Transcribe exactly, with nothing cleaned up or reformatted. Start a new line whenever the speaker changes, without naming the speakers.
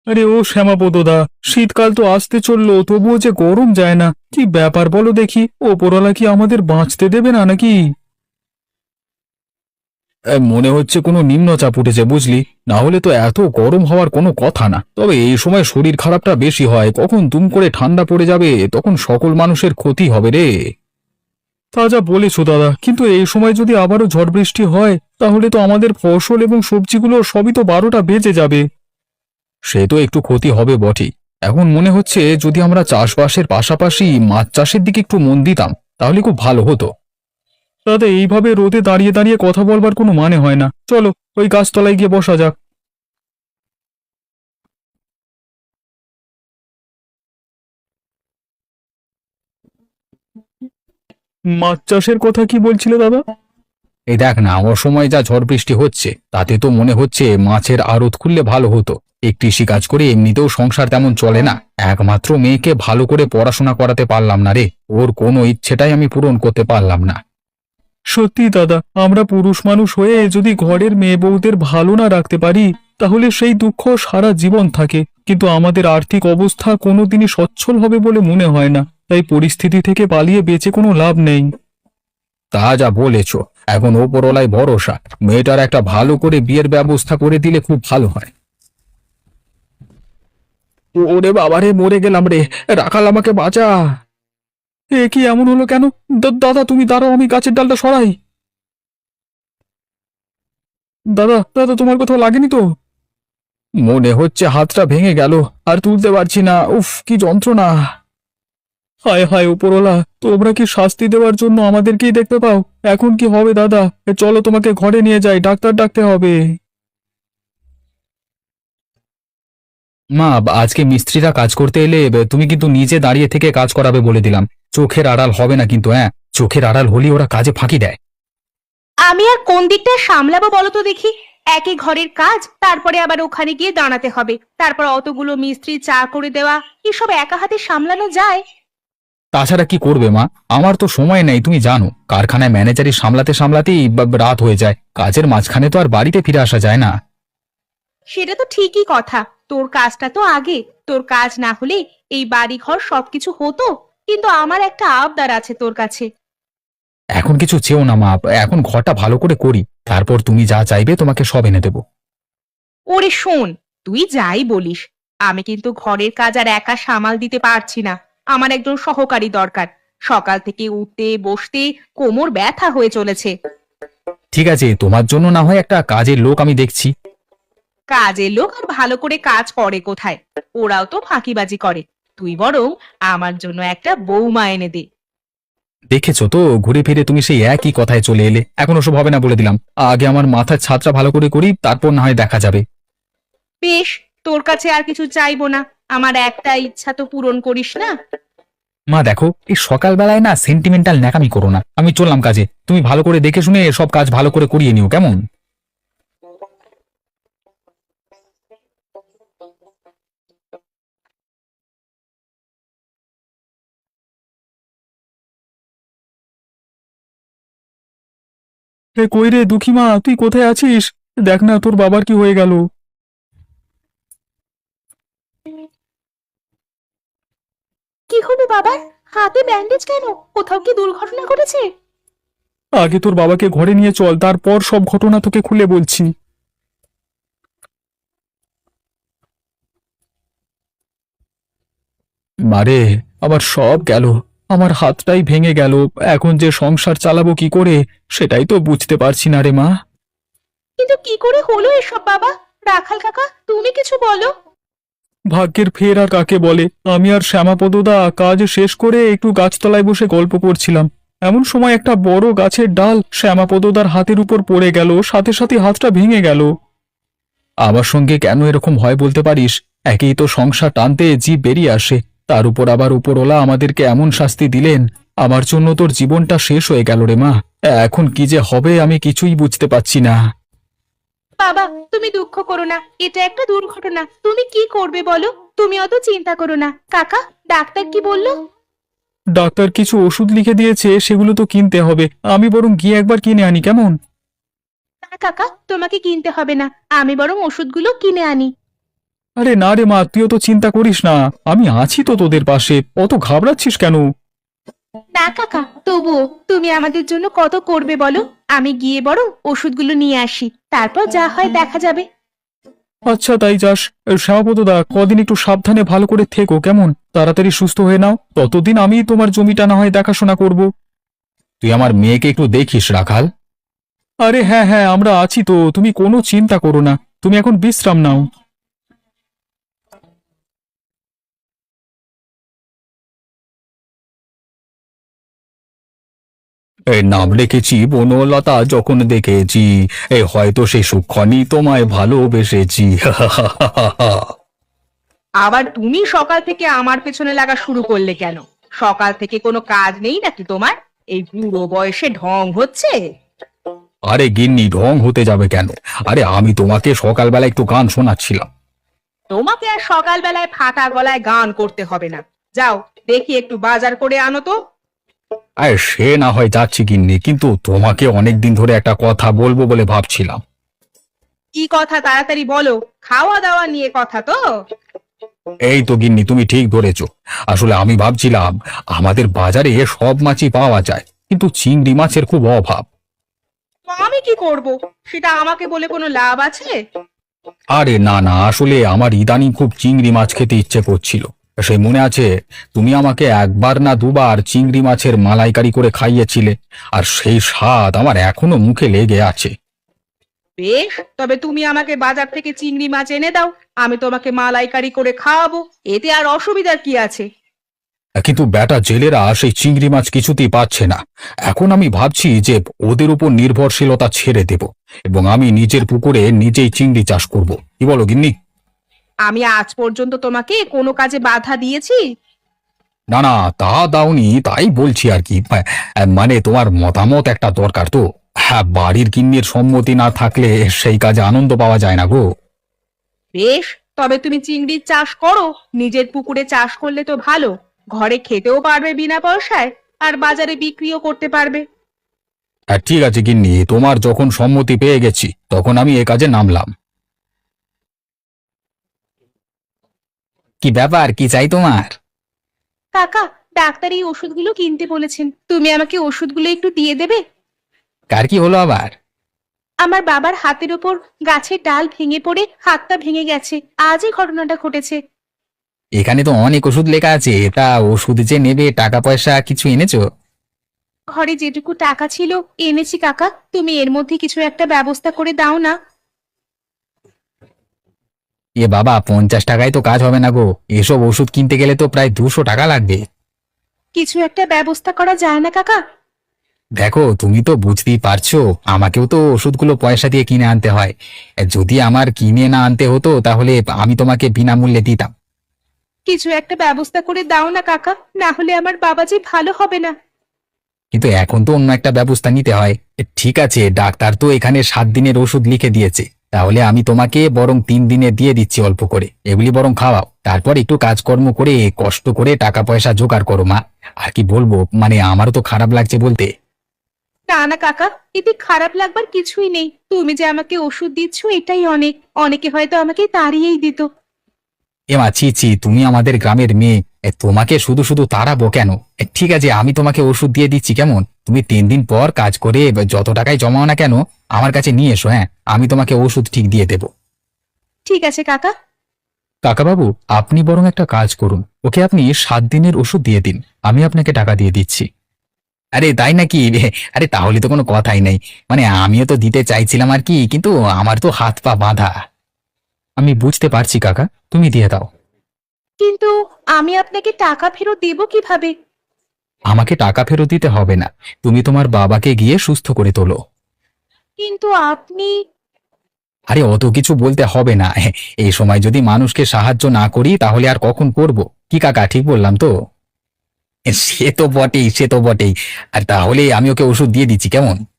আরে ও শ্যামাপদদা, শীতকাল তো আসতে চললো, তবুও যে গরম যায় না, কি ব্যাপার বলো দেখি? ওপরওয়ালা কি আমাদের বাঁচতে দেবে না নাকি? এ, মনে হচ্ছে কোনো নিম্নচাপ উঠেছে বুঝলি। না হলে তো এত গরম হওয়ার কোনো কথা না। তবে এই সময় শরীর খারাপটা বেশি হয়, কখন দুম করে ঠান্ডা পড়ে যাবে, তখন সকল মানুষের ক্ষতি হবে রে। তা যা বলেছো দাদা, কিন্তু এই সময় যদি আবারও ঝড় বৃষ্টি হয়, তাহলে তো আমাদের ফসল এবং সবজিগুলো সবই তো বারোটা বেজে যাবে। সে তো একটু ক্ষতি হবে বটেই। এখন মনে হচ্ছে যদি আমরা চাষবাসের পাশাপাশি মাছ চাষের দিকে একটু মন দিতাম, তাহলে খুব ভালো হতো। দাদা, এইভাবে রোদে দাঁড়িয়ে দাঁড়িয়ে কথা বলবার কোনো মানে হয় না। চলো, ওই গাছতলায় গিয়ে বসা যাক। মাছ চাষের কথা কি বলছিলে দাদা? এই দেখ না, অসময়ে যা ঝড় বৃষ্টি হচ্ছে, তাতে তো মনে হচ্ছে মাছের আড়ত খুললে ভালো হতো। এই কৃষি কাজ করে এমনিতেও সংসার তেমন চলে না। একমাত্র মেয়েকে ভালো করে পড়াশোনা করাতে পারলাম না রে, ওর কোনো ইচ্ছেটাই আমি পূরণ করতে পারলাম না। সত্যি দাদা, আমরা পুরুষ মানুষ হয়ে যদি ঘরের মেয়ে বউদের ভালো না রাখতে পারি, তাহলে সেই দুঃখ সারা জীবন থাকে। কিন্তু আমাদের আর্থিক অবস্থা কোনোদিনই সচ্ছল হবে বলে মনে হয় না, তাই পরিস্থিতি থেকে পালিয়ে বেঁচে কোনো লাভ নেই। তা যা বলেছ। এখন ওপরওয়ালায় ভরসা, মেয়েটার একটা ভালো করে বিয়ের ব্যবস্থা করে দিলে খুব ভালো হয়। ওরে বাবারে, মরে গেলাম রে! রাখাল, আমাকে বাঁচা! এ কি এমন হলো কেন? দা- দাদা তুমি দাঁড়াও, আমি গাছের ডালটা সরাই। দাদা দাদা, তোমার কোথাও লাগেনি তো? মনে হচ্ছে হাতটা ভেঙে গেল, আর তুলতে পারছি না। উফ, কি যন্ত্রণা! হায় হায় উপরওয়ালা, তোমরা কি শাস্তি দেওয়ার জন্য আমাদেরকেই দেখতে পাও? এখন কি হবে দাদা? এ চলো, তোমাকে ঘরে নিয়ে যাই, ডাক্তার ডাকতে হবে। মা, আজকে মিস্ত্রিরা কাজ করতে এলে বে, তুমি কিন্তু নিজে দাঁড়িয়ে থেকে কাজ করাবে বলে দিলাম। চোখের আড়াল হবে না কিন্তু, হ্যাঁ? চোখের আড়াল হলেই ওরা কাজে ফাঁকি দেয়।
আমি আর কোন দিকটা সামলাবো বলো তো দেখি। একই ঘরের কাজ, তারপরে আবার ওখানে গিয়ে দাঁড়াতে হবে, তারপর অতগুলো মিস্ত্রি চা করে দেওয়া, এসব একা হাতে সামলানো যায়?
তাছাড়া কি করবে মা? আমার তো সময় নেই, তুমি জানো। কারখানায় ম্যানেজারি সামলাতে সামলাতেই বা- রাত হয়ে যায়। কাজের মাঝখানে তো আর বাড়িতে ফিরে আসা যায় না।
সেটা তো ঠিকই কথা। তোর কাজটা তো আগে। তোর কাজ না হলে এই বাড়ি ঘর সবকিছু হতো। কিন্তু আমার একটা আবদার আছে তোর কাছে।
এখন কিছু চেও না মা, এখন ঘরটা ভালো করে করি, তারপর তুমি যা চাইবে তোমাকে সব এনে দেবো।
ওরে শোন, তুই যাই বলিস, আমি কিন্তু ঘরের কাজ আর একা সামাল দিতে পারছি না। আমার একজন সহকারী দরকার। সকাল থেকে উঠতে বসতে কোমর ব্যথা হয়ে চলেছে।
ঠিক আছে, তোমার জন্য না হয় একটা কাজের লোক আমি দেখছি।
কাজের লোক আর ভালো করে কাজ করে কোথায়? ওরাও তো ফাঁকিবাজি করে। তুই বরং আমার জন্য একটা বৌমা এনে দে।
দেখেছো তো, ঘুরে ফিরে তুমি সেই একই কথায় চলে এলে। এখন ওসব হবে না বলে দিলাম। আগে আমার মাথার ছাদটা ভালো করে করি, তারপর না হয় দেখা যাবে।
বেশ, তোর কাছে আর কিছু চাইবো না। আমার একটা ইচ্ছা তো পূরণ করিস না?
মা দেখো, এই সকালবেলায় না সেন্টিমেন্টাল ন্যাকামি করো না। আমি চললাম কাজে, তুমি ভালো করে দেখে শুনে সব কাজ ভালো করে করিয়ে নিও, কেমন? এ কই রে দুঃখী মা, তুই কোথায় আছিস? দেখ না, তোর বাবার কি হয়ে গেল।
কি হলো বাবার? হাতে ব্যান্ডেজ কেন? কোথাও কি দুর্ঘটনা ঘটেছে?
আগে তোর বাবাকে ঘরে নিয়ে চল, তারপর সব ঘটনা তোকে খুলে বলছি। মারে, আমার সব গেল। আমার হাতটাই ভেঙে গেল। এখন যে সংসার চালাবো কি করে, সেটাই তো বুঝতে পারছি না রে মা।
কিন্তু কি করে হলো এসব বাবা? রাখাল কাকা, তুমি কিছু বলো।
ভাগ্যের ফের আর কাকে বলে। আমি আর শ্যামাপদদা কাজ শেষ করে একটু গাছতলায় বসে গল্প করছিলাম। এমন সময় একটা বড় গাছের ডাল শ্যামাপদদার হাতের উপর পড়ে গেল, সাথে সাথে হাতটা ভেঙে গেল। আমার সঙ্গে কেন এরকম হয় বলতে পারিস? একেই তো সংসার টানতে জীব বেরিয়ে আসে, তার উপর আবার উপরওয়ালা আমাদেরকে এমন শাস্তি দিলেন। আমার জন্য তোর জীবনটা শেষ হয়ে গেল রে মা। এখন কি যে হবে আমি কিছুই বুঝতে পারছি না।
বাবা, তুমি দুঃখ করো না, এটা একটা দুর্ঘটনা। তুমি কি করবে বলো? তুমি অত চিন্তা করো না। কাকা, ডাক্তার কি বললো?
ডাক্তার কিছু ওষুধ লিখে দিয়েছে, সেগুলো তো কিনতে হবে। আমি বরং গিয়ে একবার কিনে আনি, কেমন?
না কাকা, তোমাকে কিনতে হবে না। আমি বরং ওষুধগুলো কিনে আনি।
আরে না রে মা, তুইও তো চিন্তা করিস না, আমি আছি তো তোদের পাশে, অত ঘাবড়াচ্ছিস কেন?
না কাকা, তবুও তুমি আমাদের জন্য কত করবে বলো। আমি গিয়ে বরং ওষুধগুলো নিয়ে আসি, তারপর যা হয় দেখা যাবে।
আচ্ছা তাই যাস। শ্যামাপদ দা, কদিন একটু সাবধানে ভালো করে থেকো কেমন, তাড়াতাড়ি সুস্থ হয়ে নাও, ততদিন আমি তোমার জমিটা না হয় দেখাশোনা করব। তুই আমার মেয়েকে একটু দেখিস রাখাল। আরে হ্যাঁ হ্যাঁ, আমরা আছি তো, তুমি কোনো চিন্তা করো না, তুমি এখন বিশ্রাম নাও। এই নাম রেখেছি বনলতা, যখন দেখেছি এ হয়তো সে সুক্ষণই তোমায় ভালোবেসেছি।
আবার তুমি সকাল থেকে আমার পেছনে লাগা শুরু করলে কেন? সকাল থেকে কোনো কাজ নেই নাকি তোমার? এই বুড়ো বয়সে ঢং হচ্ছে?
আরে গিন্নি, ঢং হতে যাবে কেন? আরে আমি তোমাকে সকালবেলা একটু গান শোনাচ্ছিলাম।
তোমাকে আর সকালবেলায় ফাটা গলায় গান করতে হবে না। যাও, দেখি একটু বাজার করে আনো তো।
আরে সে না হয় যাচ্ছি গিন্নি, কিন্তু তোমাকে অনেকদিন ধরে একটা কথা বলবো বলে ভাবছিলাম।
কি কথা তাড়াতাড়ি বলো, খাওয়া দাওয়া নিয়ে কথা তো?
এই তো গিন্নি, তুমি ঠিক ধরেছো। আসলে আমি ভাবছিলাম, আমাদের বাজারে সব মাছই পাওয়া যায়, কিন্তু চিংড়ি মাছের খুব অভাব।
আমি কি করব? সেটা আমাকে বলে কোনো লাভ আছে?
আরে না না, আসলে আমার ইদানিং খুব চিংড়ি মাছ খেতে ইচ্ছে করছিল। সেই মনে আছে, তুমি আমাকে একবার না দুবার চিংড়ি মাছের মালাইকারি করে খাইয়েছিলে, আর সেই স্বাদ আমার এখনো মুখে লেগে আছে।
বেশ, তবে তুমি আমাকে বাজার থেকে চিংড়ি মাছ এনে দাও, আমি তোমাকে মালাইকারি করে খাওয়াবো। এতে আর অসুবিধার কি আছে?
কিন্তু বেটা জেলেরা সেই চিংড়ি মাছ কিছুতেই পাচ্ছে না। এখন আমি ভাবছি যে ওদের উপর নির্ভরশীলতা ছেড়ে দেব, এবং আমি নিজের পুকুরে নিজেই চিংড়ি চাষ করব। কি বলো গিন্নি?
আমি আজ পর্যন্ত তোমাকে কোনো কাজে বাধা দিয়েছি?
না না, তা দাওনি, তাই বলছি আর কি। আহ, মানে তোমার মতামত একটা দরকার তো। হ্যাঁ, বাড়ির গিন্নির সম্মতি না থাকলে সেই কাজে আনন্দ পাওয়া যায় না গো।
বেশ, তবে তুমি চিংড়ির চাষ করো। নিজের পুকুরে চাষ করলে তো ভালো, ঘরে খেতেও পারবে বিনা পয়সায়, আর বাজারে বিক্রিও করতে পারবে।
আর ঠিক আছে গিন্নি, তোমার যখন সম্মতি পেয়ে গেছি তখন আমি এ কাজে নামলাম। কি ব্যাপার, কি চাই তোমার?
কাকা, ডাক্তার এই ওষুধগুলো কিনতে বলেছেন, তুমি আমাকে ওষুধগুলো একটু দিয়ে দেবে?
কার কি হলো আবার?
আমার বাবার হাতের ওপর গাছের ডাল ভেঙে পড়ে হাতটা ভেঙে গেছে, আজই ঘটনাটা ঘটেছে।
এখানে তো অনেক ওষুধ লেখা আছে, তা ওষুধ যে নেবে, টাকা পয়সা কিছু এনেছো?
ঘরে যেটুকু টাকা ছিল এনেছি কাকা, তুমি এর মধ্যে কিছু একটা ব্যবস্থা করে দাও না।
এ বাবা, পঞ্চাশ টাকায় তো কাজ হবে না গো, এসব ওষুধ কিনতে গেলে তো প্রায় দুশো টাকা লাগবে।
কিছু একটা ব্যবস্থা করা যায় না কাকা?
দেখো, তুমি তো বুঝতেই পারছো, আমাকেও তো ওষুধগুলো পয়সা দিয়ে কিনে আনতে হয়। যদি আমার কিনে না আনতে হতো তাহলে আমি তোমাকে বিনামূল্যে দিতাম।
কিছু একটা ব্যবস্থা করে দাও না কাকা, না হলে আমার বাবা যে ভালো হবে না।
কিন্তু এখন তো অন্য একটা ব্যবস্থা নিতে হয়। এ, ঠিক আছে, ডাক্তার তো এখানে সাত দিনের ওষুধ লিখে দিয়েছে, তাহলে আমি তোমাকে বরং তিন দিনে দিয়ে দিচ্ছি অল্প করে, এগুলি বরং খাওয়াও, তারপর একটু কাজকর্ম করে কষ্ট করে টাকা পয়সা জোগাড় করো মা। আর কি বলবো, মানে আমারও তো খারাপ লাগছে বলতে।
না না কাকা, এতে খারাপ লাগবার কিছুই নেই, তুমি যে আমাকে ওষুধ দিচ্ছ এটাই অনেক। অনেকে হয়তো আমাকে তাড়িয়েই দিত।
এমা ছি ছি, তুমি আমাদের গ্রামের মেয়ে, এ, তোমাকে শুধু শুধু তাড়াবো কেন? এ, ঠিক আছে, আমি তোমাকে ওষুধ দিয়ে দিচ্ছি কেমন, তুমি তিন দিন পর কাজ করে যত টাকায় জমাও না কেন আমার কাছে নিয়ে এসো। হ্যাঁ, আমি তোমাকে ওষুধ ঠিক দিয়ে দেবো।
ঠিক আছে কাকা।
কাকাবাবু, আপনি বরং একটা কাজ করুন, ওকে আপনি সাত দিনের ওষুধ দিয়ে দিন, আমি আপনাকে টাকা দিয়ে দিচ্ছি। আরে তাই নাকি? আরে তাহলে তো কোনো কথাই নেই, মানে আমিও তো দিতে চাইছিলাম আর কি, কিন্তু আমার তো হাত পা বাঁধা। আমি বুঝতে পারছি কাকা, তুমি দিয়ে দাও।
কিন্তু আমি আপনাকে টাকা ফেরত দেব কিভাবে?
আমাকে টাকা ফেরত দিতে হবে না, তুমি তোমার বাবাকে গিয়ে সুস্থ করে তোলো।
কিন্তু আপনি।
আরে অত কিছু বলতে হবে না, এই সময় যদি মানুষকে সাহায্য না করি তাহলে আর কখন করব? কি কাকা, ঠিক বললাম তো? সে তো বটেই, সে তো বটেই। আর তাহলে আমি ওকে ওষুধ দিয়ে দিচ্ছি কেমন?